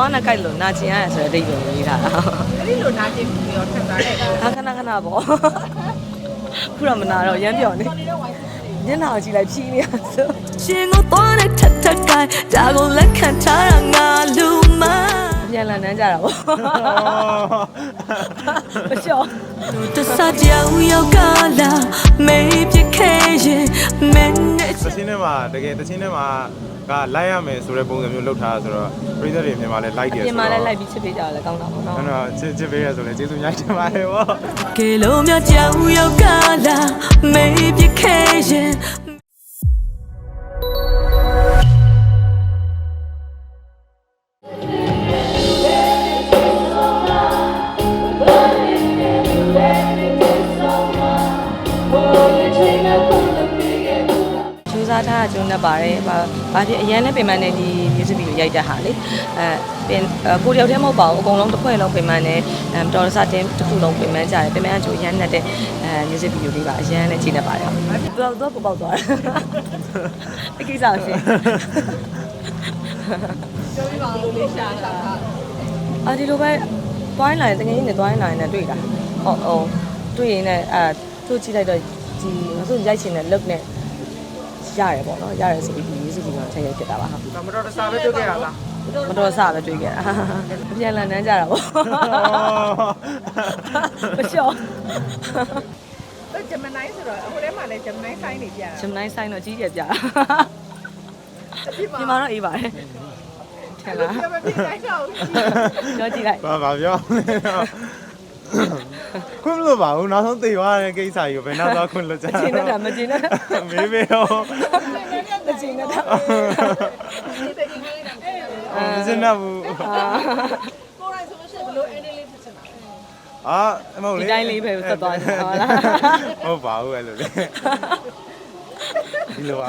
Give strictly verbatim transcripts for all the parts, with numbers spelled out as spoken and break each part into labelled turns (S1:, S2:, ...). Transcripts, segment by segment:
S1: သွားနဲ့ကြိုက်လို့နာကျင်ရတယ်ဆိုတဲ့အဓိပ္ပာယ်ရေးထားတာ
S2: အဲ့ဒီလိုနာကျင်ပြီးတော့ထပ်သားတယ်
S1: ဟာခဏခဏပေါ့ခုတော့မနာတော့ရမ်းပြော်နေညနာကိုကြည့်လိုက်ဖြီးနေရဆိုရှင်ကိုသွားနဲ့ထက်ထက်ကိုင်းဒါကိုလက်ခံထားတာငါလူမပြန်လာနန်းကြတာပေါ့မလျှော့တစားကြောင်ရောက်ကလာမေးပြခဲရင်မင်းနဲ့
S3: တချင်းထဲမှာတကယ်တချင်းထဲမှာကလိုက်ရမယ်ဆိုတဲ့ပုံစံမျိုးလုပ်ထားတာဆိုတော့ပရိသတ်တွေမြန်မာလဲလိုက်တယ်ဆိုတော့
S1: မြန်မာလဲလိုက်ပြီးချစ်ပေးကြတယ်ကောင်းတာပေါ့နော်
S3: အဲ့တော့ချစ်ချစ်ပေးရဆိုလဲကျေးဇူးများတင်ပါတယ်ဗော
S1: ကဲလုံးမြကြောင်ရောက်ကလာမေးပြခဲရင်စားထားကျုံနေပါတယ်။ဘာဖြစ်အရန်နဲ့ပြင်ပန်းနေဒီ music video ရိုက်တဲ့ဟာလေအဲပြင်ကိုတယောက်တည်းမဟုတ်ပါဘူးအကုန်လုံးတစ်ဖွဲ့လုံးပြင်ပန်းနေအဲတော်ရစတင်တစ်ခုလုံးပြင်ပန်းကြတယ်ပြင်ပန်းအကျိုးရန်နဲ့တဲ့အဲ music video လေးပါအရန်နဲ့ချိန်နေပါတယ်။တော်တော်ပေါက်သွားတယ်။အကိစ္စရှင်
S2: ။ပြောပြပါလို့လေးရှာတာ
S1: ။အာဒီလိုပဲတွိုင်းလာရင်တကယ်ကြီးနဲ့တွိုင်းလာရင်လည်းတွေ့တာ။ဟုတ်ဟုတ်တွေ့ရင်လည်းအဲသူ့ကြည့်လိုက်တော့ဒီမဆိုရိုက်ချင်တဲ့ look နဲ့ရတယ်ပေါ့နော်ရတယ်ဆိုပြီးဒီရေးစုပြီးတော့ထည့်ရိုက်ဖြစ်တာပါဟာ
S2: မတော်တဆပဲတွေ့ခဲ့ရလား
S1: မတော်တဆပဲတွေ့ခဲ့တာပြန်လာနန်းကြတာပေါ့မလျှော့
S2: အဲ့ဂျမနိုင်းဆိုတော့ဟိုထဲမှာလည်းဂျမနိုင်းဆိုင်နေပြတာ
S1: ဂျမနိုင်းဆိုင်တော့ကြီးကျယ်ပြတာဒီမှာတော့အေးပါတယ်ထင်လား
S2: မပြနိုင်တော့
S1: ပြောကြည့်လိုက်
S3: ဘာဘာပြောခွင့်မလို့ပါဘူးနောက်ဆုံးသိသွားတဲ့ကိစ္စကြီးကိုဘယ်နောက်သွားခွင့်လွတ်ကြ
S1: မကျင်နဲ့တာမကျင်နဲ့
S3: မေးမေးရော
S1: မကျင်နဲ့တာ
S3: မကျင်တော့ဘူး
S2: ကိုရိုင်းဆိုလို့ရှိရင်ဘယ်လို ending လေးဖြစ်ချင်တာ
S3: အာမဟုတ်လေ
S1: ဒီတိုင်းလေးပဲဆက်သွားနေတာဟုတ်လား
S3: ဟုတ်ပါဘူးအဲ့လိုလေဒီလိုပါ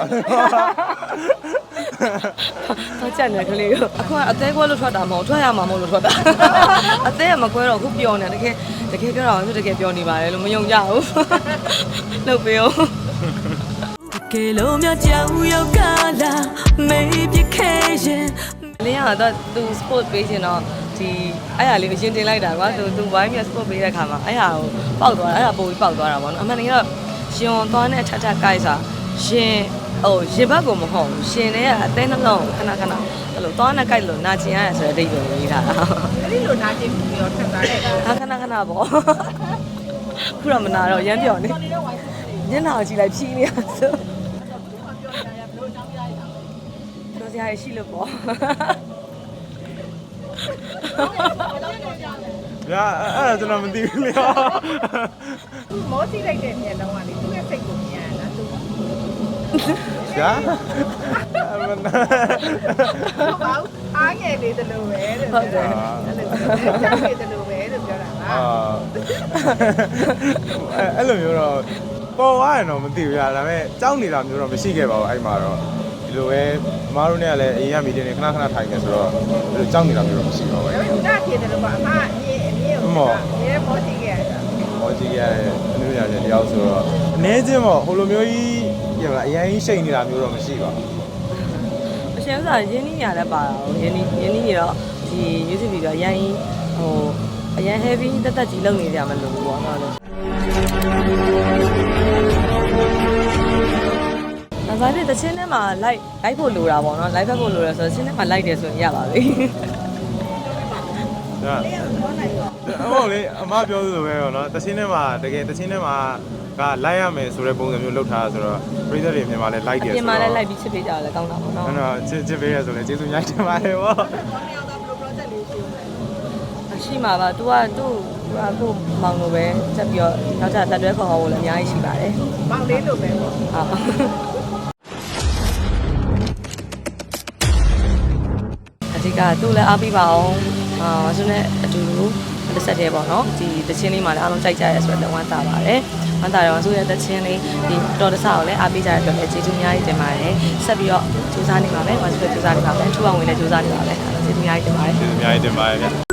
S1: တော့ချက်နေကလေးကိုအခုကအသေးကွဲလို့ထွက်တာမဟုတ်ထွက်ရမှာမဟုတ်လို့ထွက်တာအသေးကမကွဲတော့ခုပျော်နေတကယ်တကယ်ပြောတာဆိုတကယ်ပျော်နေပါတယ်လို့မယုံကြဘူးလုပ်ပေးအောင်ကဲလုံးမြကြောင်ရောက်ကလာမေးပြခဲရင်လင်းကတော့သူ sport ပေးချင်တော့ဒီအဲ့ဟာလေးကိုရင်တင်လိုက်တာကွာသူသူဝိုင်းမြ sport ပေးတဲ့ခါမှာအဲ့ဟာကိုပေါက်သွားတာအဲ့ဟာပိုပြီးပေါက်သွားတာပေါ့နော်အမှန်တကယ်တော့ရှင်သွားနဲ့ထထကိုက်စာရှင်ဟိုရင်ဘတ်ကိုမဟုတ်ဘူးရှင်နဲ့ကအသေးနှလုံးခဏခဏအဲ့လိုသွားနဲ့ကြိုက်လို့နာကျင်ရတယ်ဆိုတဲ့အဓိပ္ပာယ်ရေးထားတာ
S2: အဲ့ဒီလိုနာကျင်ပြီးတော့ထပ်သားတယ်
S1: ဟာခဏခဏပေါ့ခုတော့မနာတော့ရမ်းပြော်နေညနာကိုကြည့်လိုက်ဖြီးနေရဆိုပြောစရာရှိလို့ပေါ့
S3: ဗျာအဲ့ဒါကျွန်တော်မသိဘူးလေ
S2: မောစီလိုက်တဲ့မျက်လုံးကလေသူ့ရဲ့စိတ်ကိုမြင်ရတာသူ
S3: ဗျာ
S2: ဟုတ်ပါဘူးအားငယ်လေးတလို့ပဲတဲ့ဟုတ်တယ်အဲ့လိုချက်နေတလို့ပဲလို့ပြောတာပါ
S3: အဲ့လိုမျိုးတော့ပေါ်သွားရင်တော့မသိဘူးဗျာဒါပေမဲ့ကြောက်နေတာမျိုးတော့မရှိခဲ့ပါဘူးအဲ့မှာတော့ဒီလိုပဲမအားတို့နဲ့ကလည်းအေးရမီတင်နေခဏခဏထိုင်နေဆိုတော့ဒီလိုကြောက်နေတာမျိုးတော့မရှိပါဘူး
S2: ဒါပေမဲ့ဒါဖြစ်တယ်လို့ပါအမအမြင်အမြင်ကိုမောမောစီခဲ့ရတာ
S3: မောစီခဲ့ရတဲ့အမျိုးညာတယောက်ဆိုတော့အနေချင်းပေါ့ဟိုလိုမျိုးကြီးရမလားအရင်ကြီးရှိန်နေတာမျိုးတော့မရှိပါဘူး
S1: အရှင်ဥစားရင်းနှီးရလည်းပါတာဟိုရင်းနှီးရင်းနှီးရတော့ဒီ music video အရင်ဟိုအရင် heavy တက်တက်ကြီးလုပ်နေကြမလို့ပေါ့နော်လို့ဒါဆိုရင်တချင်းထဲမှာ live live ဖို့လိုတာပေါ့နော် live ဖို့လိုရဆိုတော့တချင်းထဲမှာ live တယ်ဆိုရင်ရပါပြီ
S3: ဒါဟုတ်လေအမပြောသလိုပဲပေါ့နော်တချင်းထဲမှာတကယ်တချင်းထဲမှာကလိုက်ရမယ်ဆိုတဲ့ပုံစံမျိုးလုပ်ထားတာဆိုတော့ပရိသတ်တွေမြန်မာလဲလိုက်တယ်ဆိုတော့
S1: မြန်မာလဲလိုက်ပြီးချစ်ပေးကြတယ်ကောင်းတာပေါ့နော်
S3: အဲ့တော့ချစ်ချစ်ပေးရဆိုလဲကျေးဇူးများတင်ပါတယ်ဗော
S1: ရှိမှာပါ तू ကသူ့အခုမောင်လိုပဲတက်ပြီးတော့နောက်ထပ်တက်တွဲခေါ်ဖို့လည်းအများကြီးရှိပါတယ်
S2: မောင်လေးလိုပဲပေါ့
S1: ဟုတ်အဓိကသူ့လည်းအားပေးပါအောင်အာဆိုနဲ့အတူတူတစ်ဆက်တည်းပေါ့နော်ဒီတချင်းလေးမှာလည်းအားလုံးကြိုက်ကြရဲဆိုတော့ဝမ်းသာပါတယ်ဝမ်းသာတော့ဆိုရတဲ့တချင်းလေးဒီတော်တဆကိုလည်းအားပေးကြရတဲ့အတွက်လည်းကျေးဇူးအများကြီးတင်ပါတယ်ဆက်ပြီးတော့စူးစမ်းနေပါမယ်ဝမ်းစွဲစူးစမ်းနေပါမယ်ထူအောင်ဝင်လည်းစူးစမ်းနေပါမယ်ကျေးဇူးအများကြီးတင်ပါတယ်
S3: ကျေးဇူးအများကြီးတင်ပါတယ်ဗျ